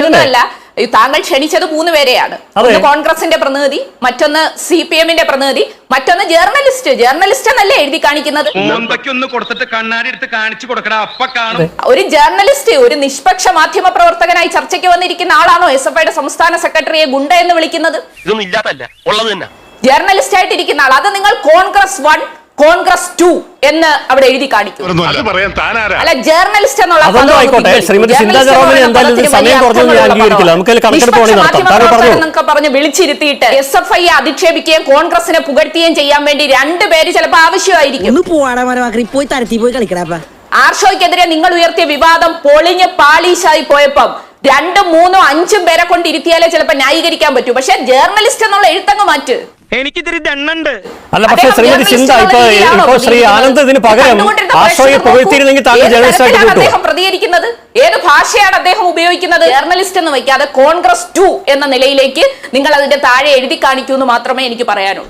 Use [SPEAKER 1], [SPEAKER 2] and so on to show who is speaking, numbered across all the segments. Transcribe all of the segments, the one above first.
[SPEAKER 1] മറ്റൊന്നല്ല, താങ്കൾ ക്ഷണിച്ചത് 3 പേരെയാണ്. ഒന്ന് കോൺഗ്രസിന്റെ പ്രതിനിധി, മറ്റൊന്ന് CPM-ന്റെ പ്രതിനിധി, മറ്റൊന്ന് ജേർണലിസ്റ്റ് എന്നല്ലേ എഴുതി കാണിക്കുന്നത്. ഒരു ജേർണലിസ്റ്റ്, ഒരു നിഷ്പക്ഷ മാധ്യമ പ്രവർത്തകനായി ചർച്ചയ്ക്ക് വന്നിരിക്കുന്ന ആളാണോ SFIയുടെ സംസ്ഥാന സെക്രട്ടറിയെ ഗുണ്ട എന്ന് വിളിക്കുന്നത്? ജേർണലിസ്റ്റ് ആയിട്ടിരിക്കുന്ന ആൾ. അത് നിങ്ങൾ കോൺഗ്രസ് 1 കോൺഗ്രസ് 2 എന്ന് അവിടെ എഴുതി കാണിക്കും. അല്ല, ജേർണലിസ്റ്റ് എന്നുള്ള പറഞ്ഞ് വിളിച്ചിരുത്തിയിട്ട് SFI അധിക്ഷേപിക്കുകയും കോൺഗ്രസിനെ പുകഴ്ത്തുകയും ചെയ്യാൻ വേണ്ടി 2 പേര് ചിലപ്പോൾ ആവശ്യമായിരിക്കും. ആർഷോയ്ക്കെതിരെ നിങ്ങൾ ഉയർത്തിയ വിവാദം പൊളിഞ്ഞ് പാളീശായി പോയപ്പം 2, 3, 5 പേരെ കൊണ്ട് ഇരുത്തിയാലേ ചിലപ്പോൾ ന്യായീകരിക്കാൻ പറ്റൂ. പക്ഷെ ജേർണലിസ്റ്റ് എന്നുള്ള എഴുത്തങ്ങ് മാറ്റ്.
[SPEAKER 2] എനിക്കിതിരി ദണ്ണുണ്ട്.
[SPEAKER 3] അല്ല, പക്ഷേ ശ്രീമതി ചിന്ത ഇപ്പോ ശ്രീ ആനന്ദ് ഇതിന് പകരം ആശ്രയെ പുകഴ്ത്തിയിരുന്നെങ്കിൽ താങ്കൾ ജേർണലിസ്റ്റ് ആയിട്ട്
[SPEAKER 1] അദ്ദേഹം പ്രതികരിക്കുന്നത് ഏത് ഭാഷയാണ് അദ്ദേഹം ഉപയോഗിക്കുന്നത്? ജേർണലിസ്റ്റ് എന്ന് വയ്ക്കാതെ കോൺഗ്രസ് 2 എന്ന നിലയിലേക്ക് നിങ്ങൾ അതിന്റെ താഴെ എഴുതി കാണിക്കൂ എന്ന് മാത്രമേ എനിക്ക് പറയാനുള്ളൂ.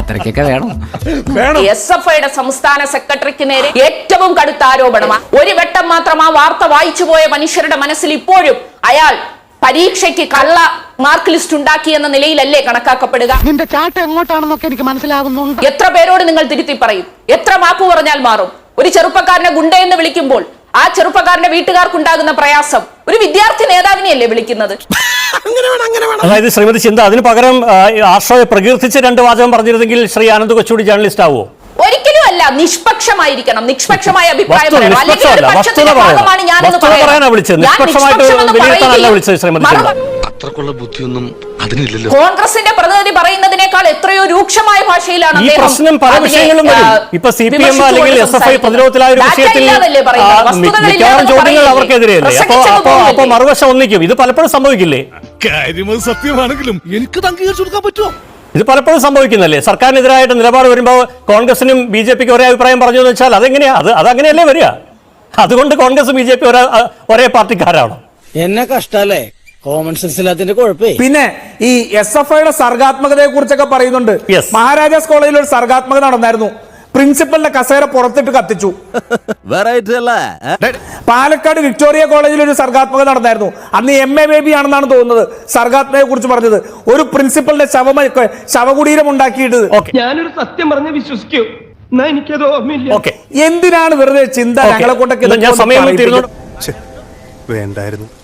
[SPEAKER 1] SFIയുടെ സംസ്ഥാന സെക്രട്ടറിക്ക് നേരെ ഏറ്റവും കടുത്ത ആരോപണമാണ്. ഒരു വട്ടം മാത്രം ആ വാർത്ത വായിച്ചു പോയ മനുഷ്യരുടെ മനസ്സിൽ ഇപ്പോഴും അയാൾ പരീക്ഷയ്ക്ക് കള്ള മാർക്ക് ലിസ്റ്റ് ഉണ്ടാക്കി എന്ന നിലയിലല്ലേ കണക്കാക്കപ്പെടുക?
[SPEAKER 2] നിന്റെ ചാട്ട എങ്ങോട്ടാണെന്നൊക്കെ എനിക്ക് മനസ്സിലാകുന്നുണ്ട്.
[SPEAKER 1] എത്ര പേരോട് നിങ്ങൾ തിരുത്തി പറയും? എത്ര മാപ്പ് പറഞ്ഞാൽ മാറും? ഒരു ചെറുപ്പക്കാരനെ ഗുണ്ടയെന്ന് വിളിക്കുമ്പോൾ ആ ചെറുപ്പക്കാരന്റെ വീട്ടുകാർക്കുണ്ടാകുന്ന പ്രയാസം ഒരു വിദ്യാർത്ഥി നേതാവിനെയല്ലേ വിളിക്കുന്നത്?
[SPEAKER 3] അതായത് ശ്രീമതി ചിന്ത അതിന് പകരം ആശ്രയെ പ്രകീർത്തിച്ച് 2 വാചകം പറഞ്ഞിരുന്നെങ്കിൽ ശ്രീ ആനന്ദ് കൊച്ചുകൂടി ജേർണലിസ്റ്റ് ആവുമോ?
[SPEAKER 1] ഒരിക്കലും അല്ല. നിഷ്പക്ഷമായിരിക്കണം. നിഷ്പക്ഷമായ അഭിപ്രായം കോൺഗ്രസിന്റെ പ്രതിനിധി പറയുന്നതിനേക്കാൾ എത്രയോ രൂക്ഷമായ ഭാഷയിലാണ്
[SPEAKER 3] ഈ പ്രശ്നം. പല വിഷയങ്ങളും വരും. ഇപ്പൊ CPM അല്ലെങ്കിൽ SFI പ്രതിരോധത്തിലായ ഒരു വിഷയത്തിൽ ചോദ്യങ്ങൾ അവർക്കെതിരെയല്ലേ? അപ്പൊ മറുവശം ഒന്നിക്കും. ഇത് പലപ്പോഴും സംഭവിക്കില്ലേ?
[SPEAKER 4] സത്യമാണെങ്കിലും എനിക്ക് അംഗീകരിച്ചു കൊടുക്കാൻ പറ്റുമോ?
[SPEAKER 3] ഇത് പലപ്പോഴും സംഭവിക്കുന്നല്ലേ? സർക്കാരിനെതിരായിട്ട് നിലപാട് വരുമ്പോൾ കോൺഗ്രസിനും BJPക്ക് ഒരേ അഭിപ്രായം പറഞ്ഞു എന്ന് വെച്ചാൽ അതെങ്ങനെയാ? അതങ്ങനെയല്ലേ വരിക? അതുകൊണ്ട് കോൺഗ്രസും BJP ഒരേ പാർട്ടിക്കാരാണോ?
[SPEAKER 5] എന്നെ കഷ്ടല്ലേ? Common sense ഇല്ലാത്തതിന്റെ കുഴപ്പേ.
[SPEAKER 6] പിന്നെ ഈ SFIയുടെ സർഗാത്മകതയെ കുറിച്ചൊക്കെ പറയുന്നുണ്ട്. മഹാരാജാസ് കോളേജിൽ ഒരു സർഗാത്മകത നടന്നായിരുന്നു. പ്രിൻസിപ്പലിന്റെ കസേര പുറത്തിട്ട് കത്തിച്ചു. പാലക്കാട് വിക്ടോറിയ കോളേജിൽ ഒരു സർഗാത്മകത നടന്നായിരുന്നു. അന്ന് MA ബേബി ആണെന്നാണ് തോന്നുന്നത് സർഗാത്മകതയെ കുറിച്ച് പറഞ്ഞത്. ഒരു പ്രിൻസിപ്പലിന്റെ ശവകുടീരം ഉണ്ടാക്കിയിട്ട്.
[SPEAKER 2] ഞാനൊരു സത്യം പറഞ്ഞ് വിശ്വസിക്കൂ. എനിക്കത് ഓർമ്മയില്ല.
[SPEAKER 6] എന്തിനാണ് വെറുതെ ചിന്ത ഞങ്ങളെ കൊണ്ടൊക്കെ
[SPEAKER 3] ഞാൻ സമയം
[SPEAKER 6] വേണ്ടായിരുന്നു.